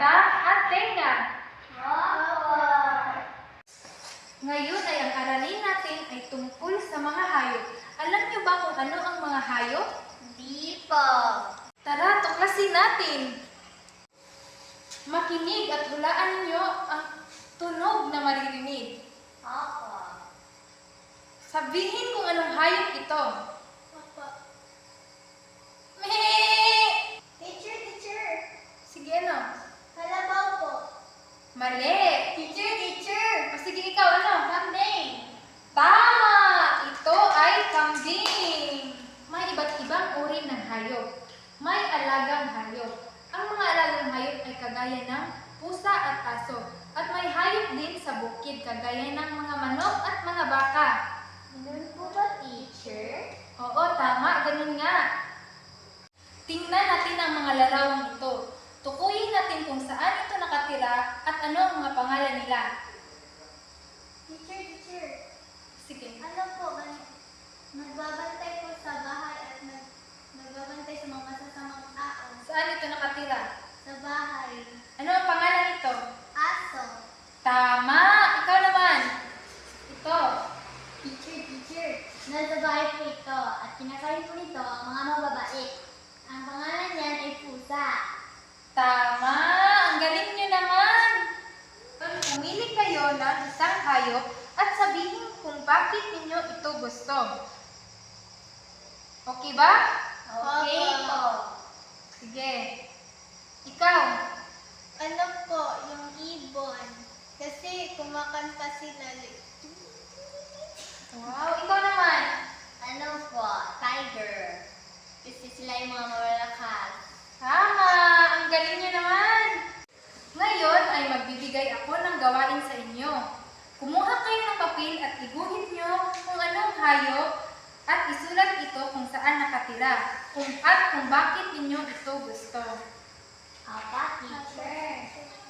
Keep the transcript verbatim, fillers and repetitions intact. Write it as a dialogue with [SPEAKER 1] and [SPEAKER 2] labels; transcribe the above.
[SPEAKER 1] mata at tenga.
[SPEAKER 2] Opo.
[SPEAKER 1] Ngayon ay ang aralin natin ay tungkol sa mga hayop. Alam niyo ba kung ano ang mga hayop?
[SPEAKER 2] Di po.
[SPEAKER 1] Tara, tuklasin natin. Makinig at hulaan niyo ang tunog na maririnig.
[SPEAKER 2] Opo.
[SPEAKER 1] Sabihin kung anong hayop ito.
[SPEAKER 2] Opo.
[SPEAKER 1] Meh!
[SPEAKER 2] Teacher, teacher.
[SPEAKER 1] Sige, ano?
[SPEAKER 2] Kalabaw po.
[SPEAKER 1] Mali!
[SPEAKER 2] Teacher, teacher.
[SPEAKER 1] O sige, ikaw, ano?
[SPEAKER 2] Kambing.
[SPEAKER 1] Tama! Ito ay kambing. May iba't ibang uri ng hayop. May alagang hayop. Ang mga alagang hayop ay kagaya ng pusa at aso. At may hayop din sa bukid kagaya ng mga manok at mga baka.
[SPEAKER 2] Ganun po ba, teacher?
[SPEAKER 1] Oo, tama. Ganun nga. Tingnan natin ang mga larawang ito. Tukuyin natin kung saan ito nakatira at ano ang mga pangalan nila.
[SPEAKER 2] Teacher, teacher.
[SPEAKER 1] Sige.
[SPEAKER 2] Ano po, gan- nagbabantay po sa bahay at nag nagbabantay sa mga masasamang tao.
[SPEAKER 1] Saan ito nakatira?
[SPEAKER 2] Sa bahay.
[SPEAKER 1] Ano ang pangalan nito?
[SPEAKER 2] Aso.
[SPEAKER 1] Tama! Ikaw naman. Ito.
[SPEAKER 2] Teacher, teacher. Nasa bahay po ito at kinakain po nito ang mga mababait. Ang pangalan niyan ay pusa.
[SPEAKER 1] Tama! Ang galing niyo naman! Pumili kayo ng isang hayop at sabihin kung bakit ninyo ito gusto. Okay ba?
[SPEAKER 2] Okay po.
[SPEAKER 1] Sige. Ikaw.
[SPEAKER 2] Ano po, yung ibon. Kasi kumakanta sila.
[SPEAKER 1] Wow, ikaw naman.
[SPEAKER 2] Ano po, tiger. Kasi sila yung mga malalakas.
[SPEAKER 1] Tama! Ang galing niyo naman! Ngayon ay magbibigay ako ng gawain sa inyo. Kumuha kayo ng papel at iguhit niyo kung anong hayop at isulat ito kung saan nakatira kung at kung bakit ninyo ito gusto.
[SPEAKER 2] Apa, teacher?